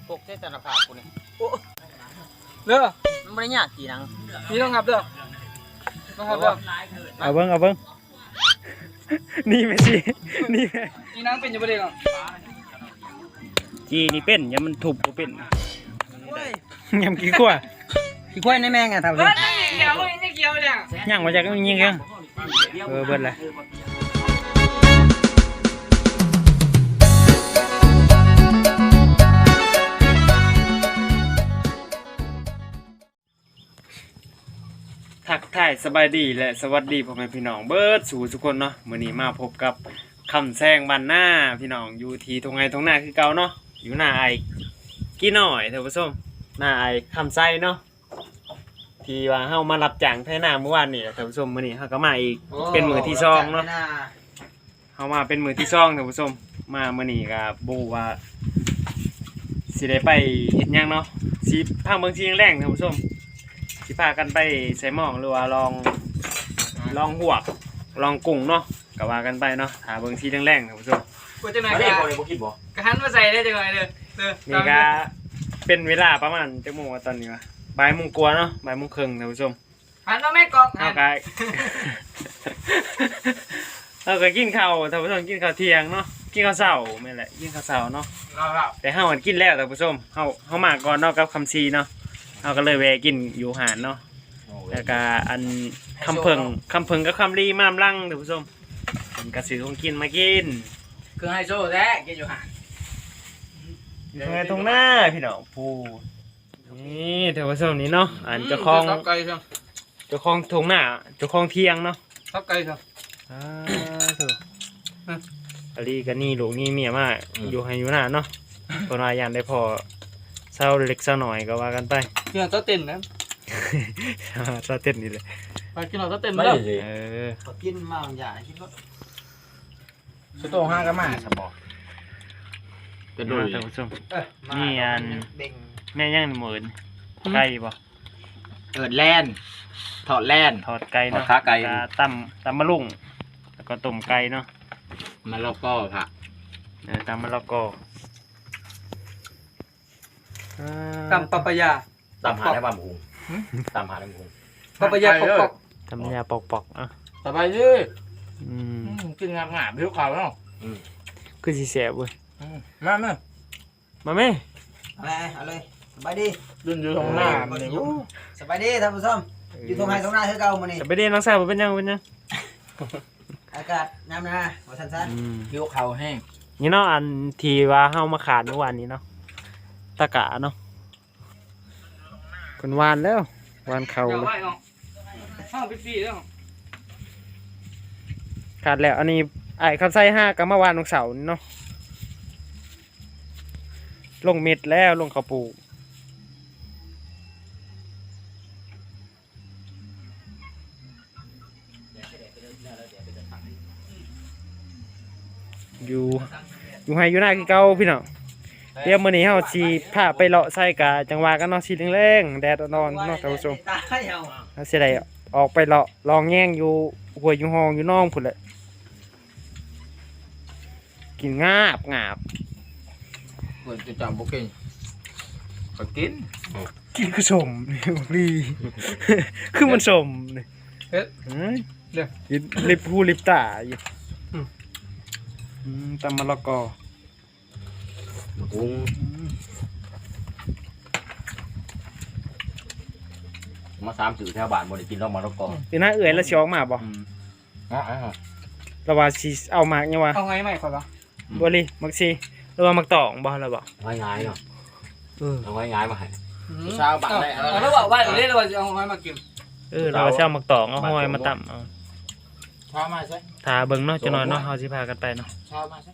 ปกเส้นตนาภาพกูนี่เด้อมันไม่ได้ยากกี่นังนี่ต้องครับเด้อต้องครับเด้อเอาเบิ้งนี่แม่สินี่แม่นี่นางเป็นอยู่ประเดี๋ยวจีนี่เป็นยังมันถูกบ่เป็นยังกี่กว่าขี้ควายในแมงอ่ะทำเฮ้ยนี่เกี่ยวนี่เกี่ยวเนี่ยยังมาจากยิงยังเบิ้ลเลยทักทายสบายดีและสวัสดีพ่อแม่พี่น้องเบิร์ดสู่ทุกคนเนาะมื้อนี้มาพบกับคำแซงบ้านหน้าพี่น้องอยู่ที่ตรงหน้าคือเก่าเนาะอยู่หน้าไอ้กี่หน่อยท่านผู้ชมหน้าไอ้คำไส้เนาะที่ว่าเฮามารับจ้างไถนาเมื่อวานนี่ท่านผู้ชมมื้อนี้เฮาก็มาอีกเป็นมื้อที่2เนาะเฮามาเป็นมื้อที่2ท่านผู้ชมมามื้อนี้ก็บ่ว่าสิได้ไปเฮ็ดหยังเนาะสิพาเบิ่งสิแรงๆท่านผู้ชมสิพากันไปใส่หม้องหรือว่าลองหวกลองกุ้งเนาะก็ว่ากันไปเนาะหาเบิ่งสีแรงๆท่านผู้ชมกูจะไหนไม่กัได้นบ่ได้บ่คิดบ่กระหันมาใส่ได้จังไงเด้อนี่ก็เป็นเวลาประมาณจักโมงตอนนี้วะบ่ายโมงกว่าเนาะบ่ายโมงครึ่งท่านผู้ชมหันมาแม่กอกเฮาก็ เฮาก็กินข้าวท่านผู้ชมกินข้าวเที่ยงเนาะกินข้าวเช้าแม่นแหละกินข้าวเช้าเนาะแต่เฮากินแล้วท่านผู้ชมเฮามาก่อนเนาะกับคำซีเนาะเฮาก็เลยแวะกินอยู่หาดเนาะแล้วก็อันคำเพิงกับคำรีมามลังท่านผู้ชมเป็นกระสือของกินมากินคือไฮโซแท้กินอยู่ห่างอยู่ตรงหน้าพี่น้องพูนี่ท่านผู้ชมนี่เนาะอันเจ้าของทับไก่ครับเจ้าของตรงหน้าเจ้าของเที่ยงเนาะทับไก่ครับถูกอลีกันนี่ลูกนี่เมียมากอยู่ให้อยู่หน้าเนาะปนวายันได้พอเศร้าเล็กเศร้าหน่อยก็ว่ากันไปกินเอาเต้นนะเศร้าเต้นนี่เลยไปกินเอาเต้นมาเด้อกินมาอย่าคิดว่าสุดโต่งห้างก็มาสมองเป็นดูท่านผู้ชมนี่อันแม่ย่างหมื่นไก่บ่เกิดแลนถอดแลนทอดไก่เนาะทอดขาไก่ตำมะลุงแล้วก็ต้มไก่เนาะมันแล้วก็ค่ะตำมะละกอตำปะปะยาตามหาได้บ้านหมูตามหาได้หมูปะปะยาปอกตำยาปอกๆอ่ะสบายดีกินงามๆผิวขาวเนาะคือสิแซ่บเว้ยมาแม่มาแม่เอาเลยสบายดียืนอยู่ตรงหน้าสบายดีท่านผู้ชมอยู่ตรงไหนตรงหน้าคือเก่ามื้อนี้จะไปเรียนน้องสาวบ่เป็นยังอากาศน้ำนะบ่ซั่นๆผิวขาวแห้งนี่เนาะอันที่ว่าเฮามาขาดเมื่อวานนี้เนาะตะกะเนาะคนวานแล้ววานเขาเดี๋ยวเลยไว้เนาะห้างไปฟรีแล้วขาดแล้วอันนี้ไอ้คำไส้5กับเมื่อวานวันเสาร์นี่เนาะลงเม็ดแล้วลงข้าวปลูกอยู่ให้อยู่หน้าคือเก่าพี่น้องเดี๋ยวมื้อนี้เฮาสิพาไปเลาะไส้กะจังหวะกันเนาะสิแรงๆแดดร้อนๆเนาะท่านผู้ชมเฮาสิได้ออกไปเลาะลองแย่งอยู่ห้วยอยู่ห้องอยู่น้องพุ่นแหละกินงาบเพิ่นจะจำบ่เก่งก็กินกินคือสมนี่ดี คือมันสมนี่เฮ้ยเดี๋ยวลิบหูลิบตาอยู่ตำมะละกอกุ้งมา3สื่อแถวบ้านบ่ได้กินแล้วมาแล้วก็เป็นหน้าเอื่อยแล้วสิออกมาบ่ระว่าสิเอามากยังวะเอาไงใหม่ก่อนปะบ่ลิมักสิหรือว่ามักตองบ่แล้วบ่ง่ายๆเนาะ เอาง่ายๆมาให้ชาวบ้านได้แล้วบอกว่าเล่นแล้วว่าจะเอาไงมากินเราสิเอามักตองเอาหอยมาตำเอาชาวมาใช่ถ้าเบิ่งเนาะจะนอนเนาะเฮาสิพากันไปเนาะชาวมาใช่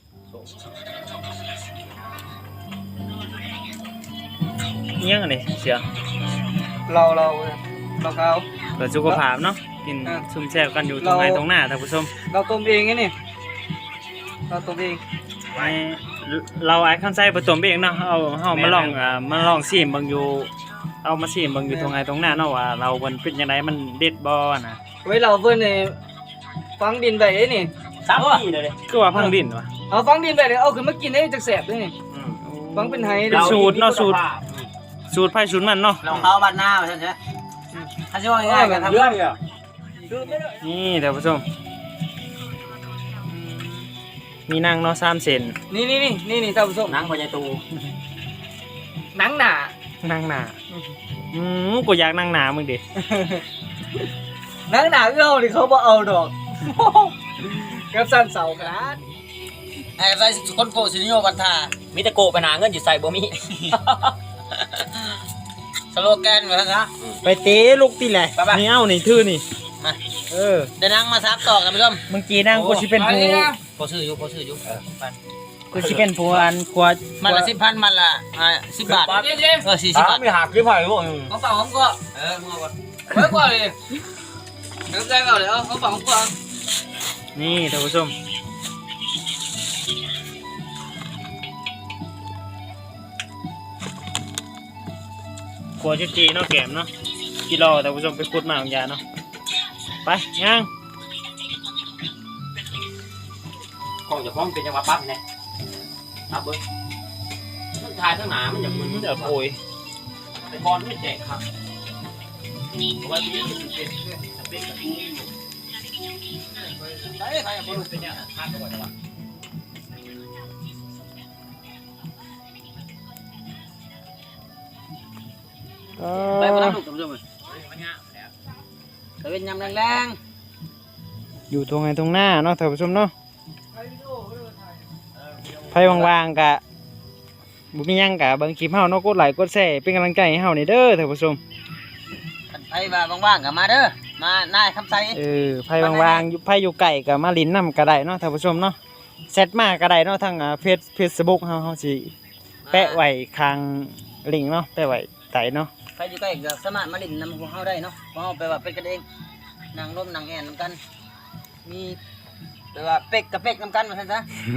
อิหยังอันนี้เสียเราเขาเพื่อสุขภาพเนาะกินซุ่มแซ่บกันอยู่ตรงไหนตรงหน้าท่านผู้ชมเราต้มเองไงนี่เราต้มเองเราไอ้ขั้นไส้ผสมเองเนาะเฮามาลองชิมเบิ่งอยู่เอามาชิมเบิ่งอยู่ตรงไหนตรงหน้าเนาะว่าเรามันเป็นจังไดมันเด็ดบ่นะไว้เราเพิ่นนี่ฟังดินไปไอ้นี่ 3 ปีเลยคือว่าพังดินวะเอาฟังดินไปเดี๋ยวเอาขึ้นมากินได้จักแสบด้วยนี่โอ้ฟังเป็นไฮเป็นสูตรเนาะสูตรไผ่สูตรมันเนาะเราเข้าบ้านหน้าใช่ไหมถ้าช่วยง่ายกันทำเรื่องเนี่ยนี่ท่านผู้ชมมีนั่งเนาะ3เซนนี่ท่านผู้ชมนังพญาตูหนังหนานั่งหน้ากูอยากนั่งหน้ามึงดิหนังหนาเขาดิเขาบ่เอาดอกกับสั้นเสาขนาดไอ้ไรคนโกสินิโยวันทามีแต่โกไปหาเงินอยู่ใส่บ่มีสโลแกนเหมือนกันนะไปเตะลูกตีแหละนี่เอานี่ทื่อนี่เดี๋ยวนั่งมาซับตอกนะพี่ส้มมึงจีนั่งกูสิเป็นผู้พอซื้ออยู่กูสิเป็นผู้อันกว่ามันละ10,000มันละ10 บาท40 บาทไม่หักกี่ไผ่พวกเขาฝั่งผมก็มึงก่อนเฮ้ยก่อนเลยเดี๋ยวใจก่อนเลยเขาฝั่งผมก่อนนี่ท่านผู้ชมกลัวจะจีเนาะแก้มเนาะกิโลท่านผู้ชมไปขุดมาของยาเนาะไปย่างของจะพร้อมเป็นจังหวะปั๊บเนี่ยปั๊บเบิ้ลมันทายทั้งหนามันอย่างมึนเดี๋ยวโอยแต่บอลไม่แจกครับเพราะว่าที่นี่มันเป็นกระทู้อยู่ใช่ใครบอลเป็นเนี่ยทานก่อนดีกว่าไปมาลูกท่านผู้ชมแต่เป็นยำแรงอยู่ตรงไหนตรงหน้าเนาะท่านผู้ชมเนาะไฟว่างๆกะบุมีหยังกะเบิ่งคลิปเฮาเนาะกดไลค์กดแชร์เป็นกำลังใจให้เฮานี่เด้อท่านผู้ชมๆไปว่างๆกับมาเด้อมาหน้าคำไซไฟว่างๆอยู่ไฟอยู่ไกลก็มาลิ้นนํก็ได้เนาะท่านผู้ชมเนาะแชทมาก็ได้เนาะทางFacebook เฮาสิแปะไว้ข้างลิงก์เนาะแปะไว้ใต้เนาะใครอยู่ใกล้ก็สามารถมาเล่นนำพวกเขาได้เนาะเพราะเขาไปว่าเป็นกันเองนั่งร่มนั่งแอนนำกันมีแปลว่าเป็กกับเป็กนำกันมาท่านซะ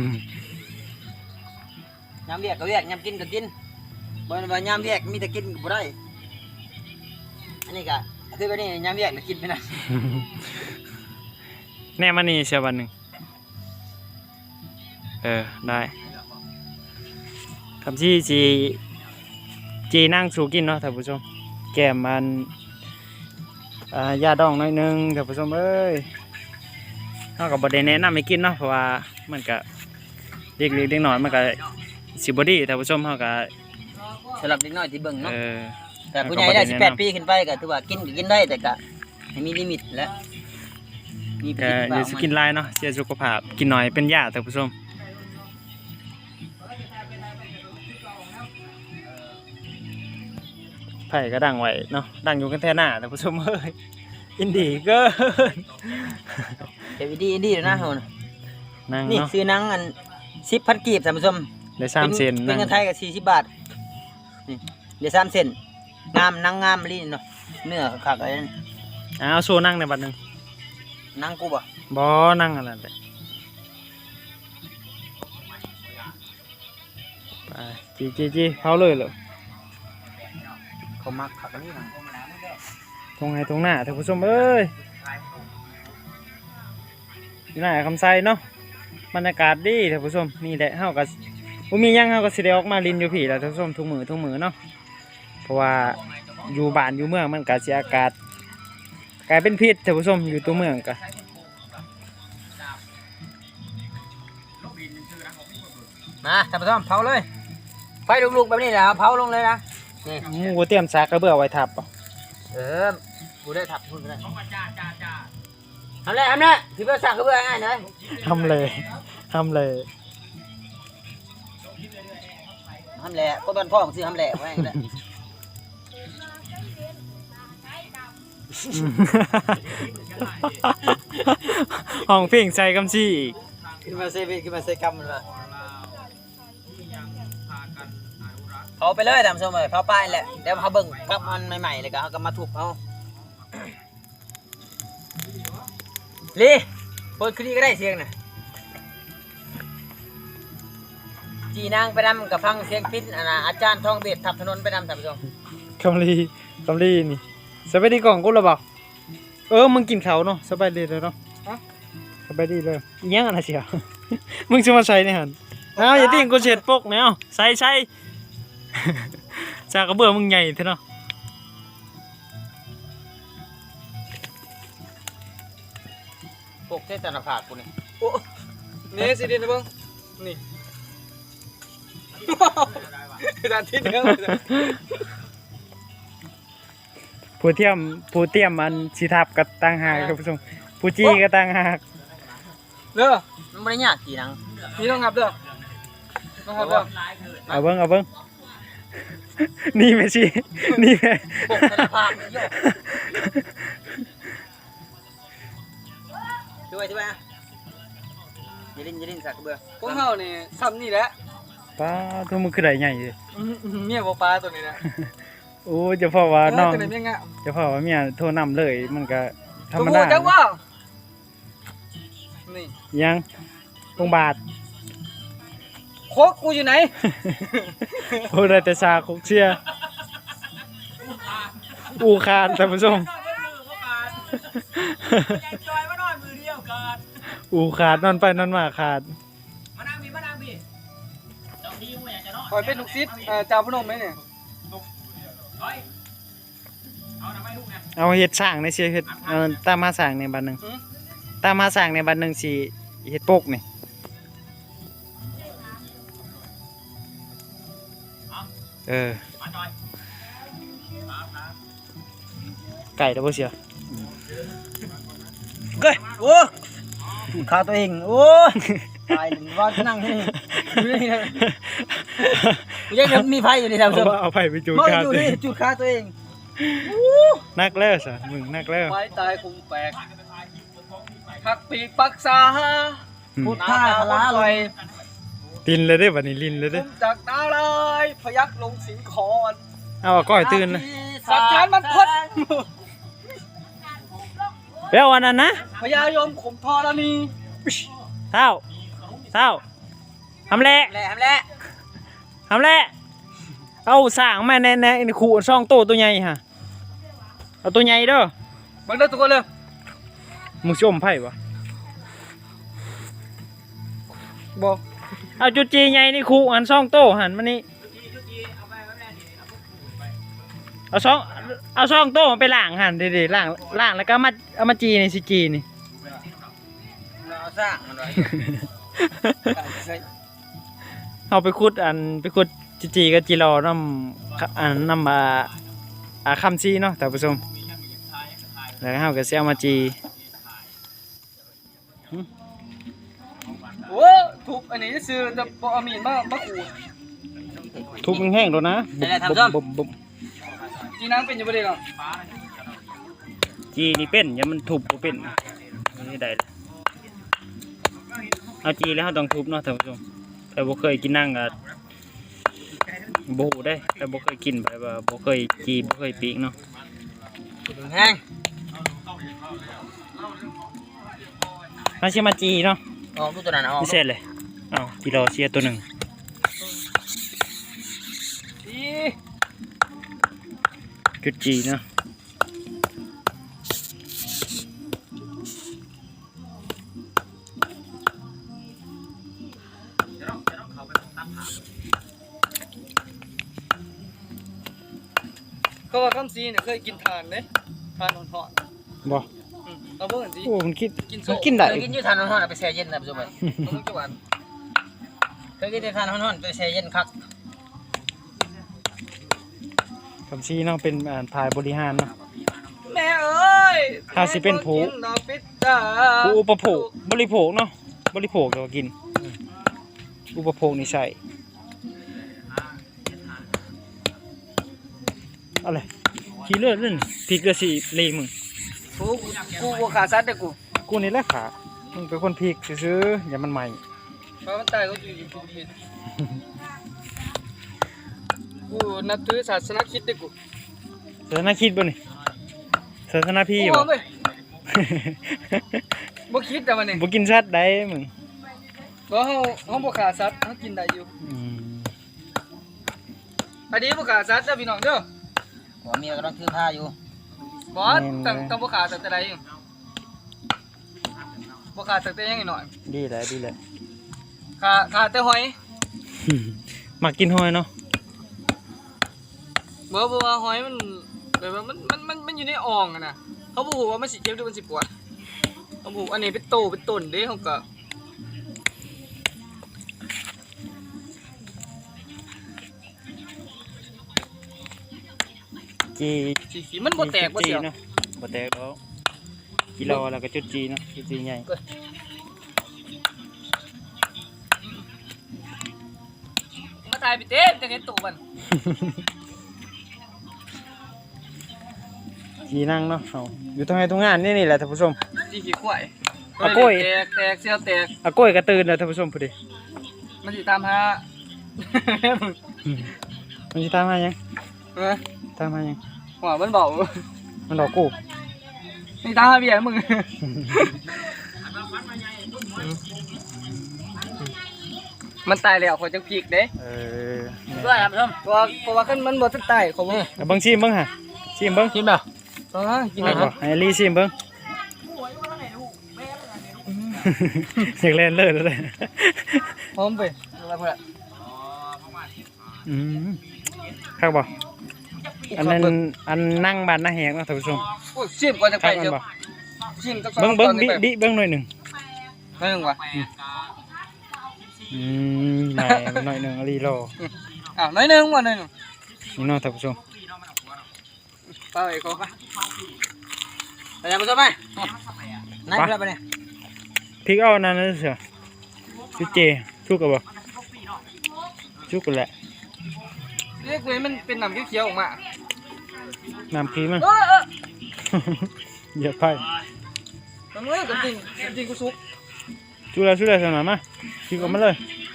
ยามเวียกก็เวียกยามกินก็กินบ่แม่นว่ายามเวียกมีแต่กินก็บ่ได้อันนี้ก็คือแบบนี้ยามเวียกน่ะกินไปนะแน่มานี่เชียววันหนึงได้คำที่จีนั่งสู่กินเนาะท่านผู้ชมแก้มมันยาดองหน่อยนึงท่านผู้ชมเอ้ยเฮาก็บ่ได้แนะนำให้กินเนาะเพราะว่ามันก็เด็กๆเด็กน้อยมันก็สิบ่ดีท่านผู้ชมเฮาก็สำหรับเด็กน้อยที่เบิ่งเนาะเออแต่ผู้ใหญ่ได้18 ปีขึ้นไปก็ถือว่ากินก็กินได้แต่ก็ให้มีลิมิตและมีประก็โยชน์อย่าสิกินหลายเนาะเสียสุขภาพกินน้อยเป็นยาท่านผู้ชมไผ่ก็ดังไว้เนาะดังอยู่กันแท้หน้าท่านผู้ชมเอ้ยอินดีเกินเดี๋ยวดีเดี๋ยวนะเฮานะนั่งนี่เนาะซื้อหนังอัน10,000 กีบท่านผู้ชมได้3เซนเป็นเงินไทยก็40 บาทนี่เดี๋ยว3 เซนงามหนังงามลิ้นเนาะเนื้อคักๆอะไรนั่นเอาโซนั่งในบัดหนึงหนังกูบ่บ่นั่งอะไรเลยไปจีเผาเลยเหรอเขามักคักอันนี้นะตรงไหนตรงหน้าท่านผู้ชมเอ้ยอยู่หน้าคำไซเนาะบรรยากาศดีท่านผู้ชมนี่แหละเฮาก็บ่มีหยังเฮาก็สิได้ออกมาลินอยู่พี่แหล้วท่านผู้ชมทุกมื้อเนาะเพราะว่าอยู่บ้านอยู่เมืองมันก็สิอากาศกลายเป็นพิษท่านผู้ชมอยู่ตัวเมืองก็มาท่านผู้ชมเผาเลยไฟลุกๆแบบนี้แหละเผาลงเลยนะนี่หมูเตรียมซากกระเบื้อไว้ทับเอากูได้ทับคุณก็ได้ทำเลยพี่เพื่อสั่งก็เพื่อง่ายหน่อยทำเลยทำแหละก็บ้านพ่อของซื้อทำแหละไว้ก็ได้ห้องเพ่งใจกำชี้อีกขึ้นมาเซกัมมันมาเผาไปเลยท่านผู้ชมเลยเผาป้ายแหละเดี๋ยวเขาเบิ่งกับมันใหม่ๆเลยก็เขาก็มาทุบเอาลีเปิดคลีก็ได้เสียงน่ะจีนางไปนำกับฟังเสียงพิณอาจารย์ทองเบ็ดทับถนนไปนำท่านผู้ชมคำลีนี่สบายดีกล่องกูหรือเปล่ามึงกินเขาวเนาะสบายดีเลยเนาะสบายดีเลยอิหยังอะไรเสีย มึงจะมาใส่ในหันอย่าติ้งกูเฉดปกเนี่ยใส่จากกระเบื้องมึงใหญ่เท่าเนาะปกเส้นตนาผากกูนี่โอ้นี่สิดินนะเบิ่งนี่ด้านที่เนื้อผู้เตรียมอันสิทับกับต่างหากครับผู้ชมผู้จี้กับต่างหากเด้อมันไม่ได้ยากกี่นังนี่ต้องหับเด้อต้องหับเด้อเอาเบิ่งนี่แม่ชีนี่แม่ปกตนาผากโยกช่วยอ่ะอย่าลิ้นสักเบื่อพวกเฮานี่ซ้ำนี่แหละป้าตัวมึงคือได้ใหญ่เลยเมียบ่ปลาตัวนี้นะโอ้เจะพ่อว่าน้องตัวนี้เมียงะเจะพ่อว่าเมียโทรนำเลยมันก็ธรรมตัวดาจังว่านี่ยังโรงบาทโคกกูอยู่ไหนโอ้ได้แต่ซาคุกเชียอูคานท่านผู้ชมอูขาดนอนไปนอนมาขาดมานั่งพี่เจ้าที่มึงอยากจะนอนคอยเป็นลูกศิษย์เจ้าพนมไหมเนี่ยร้อยเอาทำไมลูกนะเอาเฮ็ดสร้างในเสียเฮ็ดตามมาสร้างในบัดหนึงตามมาสร้างในบัดหนึงสิเฮ็ดปกนี่เออมาจอยไก่แล้วบ่เสียเฮ้ยโอ้ขาตัวเองโอ้ตายว่านั่งที่นี่ยังมีไฟอยู่ในแถวเอาไผไปจูดมองขาอยู่ตัวนี่เองจุดขาตัวเองนักแล้วซะมึงนักแล้วไม้ตายคงแปลกพักปีกปักษาพุทธาพลาลอยลินเลยเด้บัดนี้ลินเลยผเด้มจากดาวเลยพยักลงสิงคอนเอาก้อยตื่นนะสัจจานมันพดไปเอาอันนั้นนะพญายมขมทรณีเท่าทำแหละแหละแหละทำแหละเอาสร้างมาในขู่ช่องโตตัวใหญ่ฮะเอาตัวใหญ่เด้อบังเด้อทุกคนเลยมึงชมไผ่ปะบอกเอาจุดจีใหญ่นี่ขู่หันช่องโตหันมานี่เอาช่องโตมันไปล้างหันดีๆล้างแล้วก็เอามาจีนี่สิจีนี่เราสร้างมันไว้เอาไปขุดจีกับจีรอน้ำคำซีเนาะท่านผู้ชมแล้วเฮาก็สิเอามาจีโอ้ทุบอันนี้ซื้อแต่บอมีนมาขูดทุบแห้งๆแล้วนะบุบจีนังเป็นอยู่บ่ได้หรอกจีนี่เป็นอย่ามันทุบบ่เป็นนี่ได้เลยเอาจีแล้วเฮาต้องทุบเนาะท่านผู้ชมแต่บ่เคยกินนั่งก็บ่ฮู้ได้แต่บ่เคยกินไปว่าบ่เคยจีบ่เคยปีกเนาะแห้งเฮาสิมาจีเนาะออกดูตัวนั้นออกพิเศษเลยอ้าวจีรอเสียตัวหนึงอีจุดจีเนาะเขาว่าคำซีเนี่ยเคยกินทานเด้ทานหอนบ่ๆเอาเบิ่งกันสิโอ้มันกินกินโซ่มันกินได้เคยกินยูทานฮ้อนๆไปแช่เย็นนะผู้ชมต้องจังหวัดเคยกินยูทานฮ้อนๆไปแช่เย็นคักคำซีเนาะเป็นถ่ายบริหารเนาะแม่เอ้ยถ้าสิเป็นผู้กิดอกปิดตาผู้อุปโภคบริโภคเนาะบริโภคก็กินอุปโภคนี่ใช่อะไรขี้เลือดเล่นพริกเกลือสีเลยมึงกูบ่ขาซัดเด้อกูกูนี่แหละขามึงเป็นคนพริกซื้อๆอย่ามันใหม่เพราะมันตายก็อยู่กูผิดกูนับถือศาสนาคริดเด้อกูศาสนาคิดบ่นี่ศาสนาพี่กูบ่เว้ยบ่คิดแต่มันนี่บ่กินสัตว์ได้มึงบ่เฮาบ่ขาซัดเฮากินได้อยู่อืมอันนี้บ่ขาซัดเด้อพี่น้องเด้อหัวเมียก็ต้องถือผ้าอยู่บ่ต้องบ่ขาตั้งแต่ใดอยู่บ่ขาตั้งแต่ยังหน่อยดีแหละดีแหละขาแต่หอยมากินหอยเนาะบอกว่าหอยมันแบบว่ามันอยู่ในอ่องอะนะเขาบอกว่ามันสิเจ็บหรือมันสิปวดเขาบอกอันนี้เป็นโตเป็นต้นเด้เขาก็จีสีมันบ่แตกบ่เสียวเนาะบ่แตกแล้วกิโลแล้วก็จุดจีเนาะจุดจีใหญ่มาถ่ายไปเต้นจะเห็นตัวมันจีนั่งเนาะเอาอยู่ตรงไหนตรงงานนี่แหละท่านผู้ชมจีขี้ควายเอากล้วยแตกเสียวแตกอาก้อยกระตื่นแล้วท่านผู้ชมพอดีมันสิตามหามันสิตามมายังเออตามมายังหัวมันเบามันหลอกกูนี่ตามหาเบียร์มึงมันตายแล้วเขาจังพีกเด้ด้วยครับท่านเพราะว่าขึ้นมันบ่ทันตายเขาบ่เอาเบิ่งชิมเบิ่งฮะชิมเบิ่งกินเปล่ากินเอานะบ่ให้ลีชิมเบิ่งอยากเล่นเลิศแล้วเลยพร้อมไปอะไรพอละอืมครับบ่อันนั้นอันนั่งบ้านหน้าแหกเนาะท่านผู้ชมโอ้ยชิมก่อนจะคไปรับมันเจ้าบ่ชิมจักเบิ่งเบิ่งดิเบิ่งหน่อยหนึงนั่นว่ะไหนหน่อยหนึงอลีรออ้าวน้อยนึงว่ะน้อยนึงนี่เนาะท่านผู้ชมไปเขาไปไปยังผู้ชมไหมนั่นเพื่อนไปเนี่ยพริกเอานั่นนะเสือชุดเจชุกกับบ่ชุกกันแหละเรียกเลยมันเป็นน้ำเขียวๆออกมาน้ำพริกมันเออเหยียบไปมันเอ้ยกันจริงกูซุกชุกแล้วสนามมาพริกออกมาเลย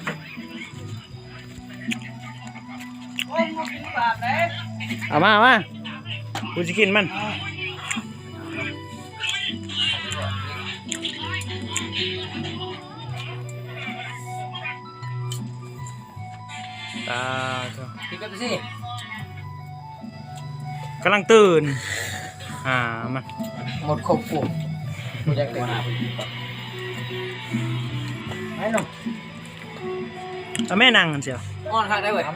โอ้ยมึงกินปากเลยเอามากูจะกินมันตาเถอะกินกันไปสิกำลังตื่นมันหมดครบกูกูอยากเดินหาไปกินก่อนไอ้หนุ่มเอาแม่นั่งกันเชียวอ้อนข้างได้เว้ย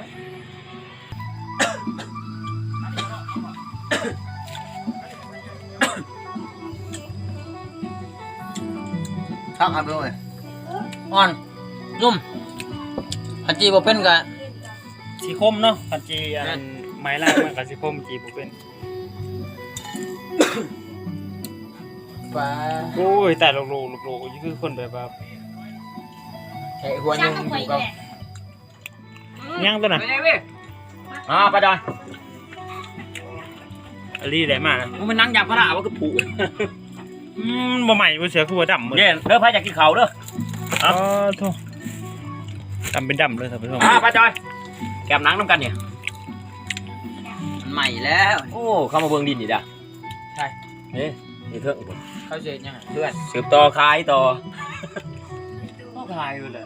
ข้างครับด้วยอ้อนนุ่มพันจีบ่เป็นกะสีคมเนาะผัดจีอันไม้ล่างมันกับสีคมจีบุเป็นปลาโอ้ยแต่โลกนี่คือคนแบบว่าแค่หัวนึงอยู่กับย่างตัวน่ะไปไหนเว้ยไปดอยอลีได้มากนะมึงมันนั่งยำพระว่าคือผูบ่ใหม่บ่เสือคือว่าดำหมดเย็นเด้อพายอยากกินเขาเด้ออ๋อโธ่ดำเป็นดำเลยท่านผู้ชมป้าจอยแกมนังน้ำกันเนี่ยมันใหม่แล้วโอ้เข้ามาเบิ่งดินนี่ด่ะใช่นี่เถอะเขาเสียยังไงเพื่อนสืบต่อคายต่อต้องคายเลย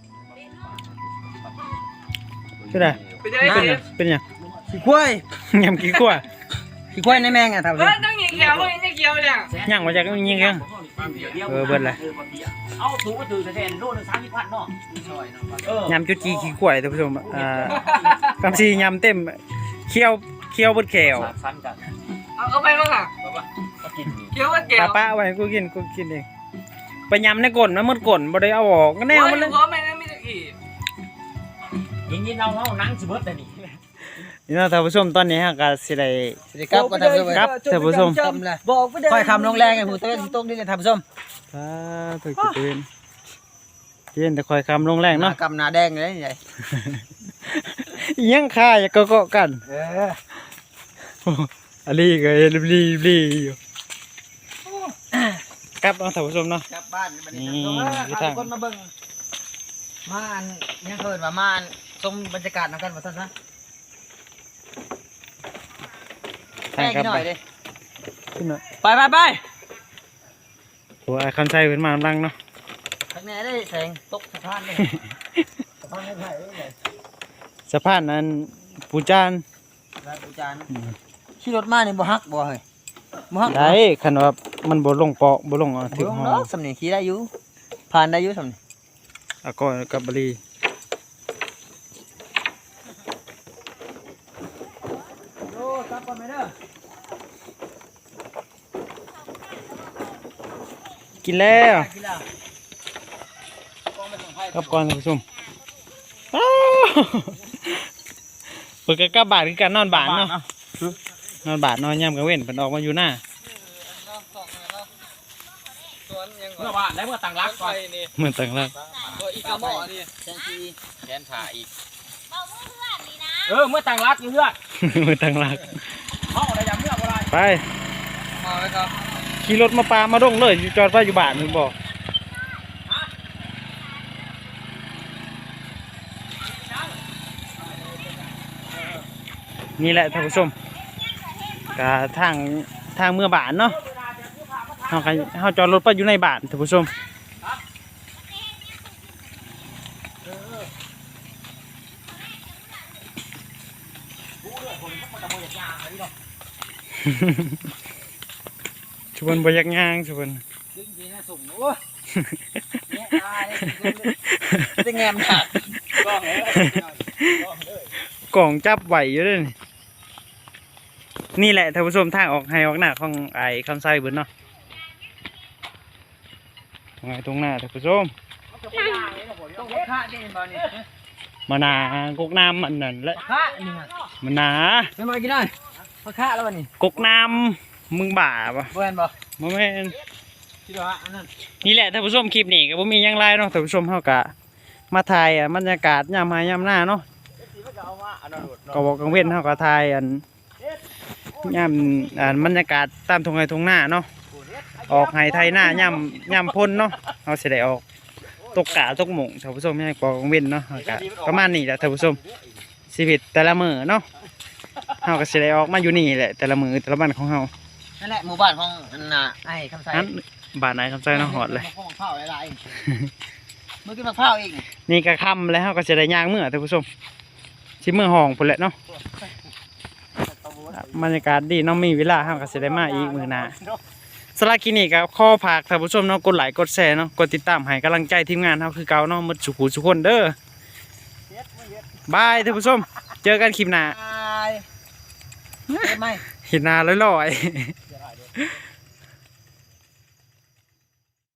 ชื่ออะไรไปไหนเป็นหยังขี้ควายยำกี่กว่าขี้ควายในแมงอ่ะท่านผู้ชเฮ้มยนั่งยิงเขียวเลยยิงเขียวเนี่ยย่างมาจากยิงแข้ง เบิดเลยเอาถูกก็ถือแทนโลนึง30,000เนาะยำจุดจีขี้กล้วยท่านผู้ชมกำซียำเต็มเคี้ยวบดแขว 3,000กันเอาไปบ้างอ่ะก็กินนี่เขียวมันเกี่ยวป้าไว้กูกินเองไปยำในก้นมันหมดก้นบ่ได้เอาออกก็แนวมันเลยพร้อมไหมนะมีตะกี้ยิงเอานั่งสิเบิดแต่นี่นี่เนาะท่านผู้ชมตอนนี้ฮะก็สิได้สวัสดีครับก็ท่านผู้ชมครับท่านผู้ชมจำเลยบอกไปเด้ค่อยคำลงแรงไอ้ผู้เต้นตกนี่เลยท่านผู้ชมถูกเย็นแต่คอยคำลงแรงหน้าเนาะกำหน้าแดงเลยใหญ่ยังค่าอย่าเกาะกัน อันนี้ก็รีอยู่ครับท่านผู้ชมเนาะกลับบ้านบัดนี้นี่ท่านผู้ชมคนมาเบิ่งมาอันยังเกินว่ามาอันชมบรรยากาศนำกันว่าซั่นซะใช่แม่ครับกินหน่อยดิขึ้นหน่อยไปโอ้ยคำใช้เป็นมากำลังเนาะข้างในได้แสงตกสะพานเลยสะพานไม่ไผ่เลยสะพานนั้นปูจานแล้วอาจารย์ขี่รถมานี่บ่ฮักบ่เฮ้ยบ่ฮักได้คันว่ามันบ่ลงเปาะบ่ลงถึถึงงห้อเนาะสำนีขี่ได้อยู่ผ่านได้อยู่สำนีอาก้อยกับบรีกลับก่อนไหมเด้อกินแล้วกินแล้วกองไปส่งไพ่กลับก่อนท่านผู้ชมอ้าวเปิดกลับบ้านคือการนอนบ้านเนาะนอนบ้านนอนย่ำกลางเว้นเพิ่นออกมาอยู่หน้าสวนยังเมื่อวานแล้วเมื่อต่างรักไปก่อนนี่เหมือนต่างรักตัวอีกาหมอนี่แซนซีแขนขาอีกเมื่อต่างรักอยู่เพื่อนเหมือนต่างรักห้องอะไรอย่างเมื่ออะไรไปมาไว้ครับขี่รถมาปามาดงเลยอยู่จอดไว้อยู่บ้านมึงบอกนี่แหละท่านผู้ชมกะทางเมื่อบ้านเนาะเฮาจอดรถไปอยู่ในบ้านท่านผู้ชม ชวนบยักย่างชวนดึงทีน่าสุ่มโอ้ยเนี่ยตายเลยจะแงมหนักกล่องจับไหวอยู่เลยนี่แหละท่านผู้ชมทางออกให้ออกหน้าของไอ้คำไส้เบิดเนาะตรงหน้าท่านผู้ชมต้องฆ่าได้เห็นบ่นี่มานากกน้ำอันนั้นแหละฆ่านี่ฮะมานาไม่มากินหน่อยมาฆ่าแล้ววันนี้กกน้ำมึงบ่าปะบ่เห็นบ่บ่แม่นคิดว่าอันนั้นนี่แหละท่านผู้ชมคลิปนี้ก็บ่มีหยังไรเนาะท่านผู้ชมเฮากะมาถ่ายบรรยากาศยามหายามหน้าเนาะก็บอกกังเว้นเฮาก็ถ่ายยามบรรยากาศตามทุ่งไร่ทุ่งนาเนาะออกให้ไทยหน้ายามพ้นเนาะเฮาสิได้ออกตกกะตกหม่งท่านผู้ชมให้บอกกังเว้นเนาะก็ประมาณนี้แหละท่านผู้ชมชีวิตแต่ละมื้อเนาะเฮาก็สิได้ออกมาอยู่นี่แหละแต่ละมื้อแต่ละวันของเฮานั่นแหละหมู่บ้านของอันน่ะไอ้คำไสอันบ้านไหนคำใจเนาะฮอดเลยมะพร้าวหลายๆเมื่อกี้มะพร้าวอีกนี่ก็ค่ำแล้วก็จะได้ย่างเมื่อท่านผู้ชมชิเมื่อห้องพุ่นแหละเนาะบรรยากาศดีเน้องมีเวลาเราก็จะได้มาอีกมื้อหน้าสำหรับคลิปนี้ก็ขอฝากท่านผู้ชมเนาะกดไลค์กดแชร์เนาะกดติดตามให้กำลังใจทีมงานเราคือเก่าเนาะหมดสุขุสุขคนเด้อบายท่านผู้ชมเจอกันคลิปหน้าตายเห็นไหมเห็นหน้าลอยๆ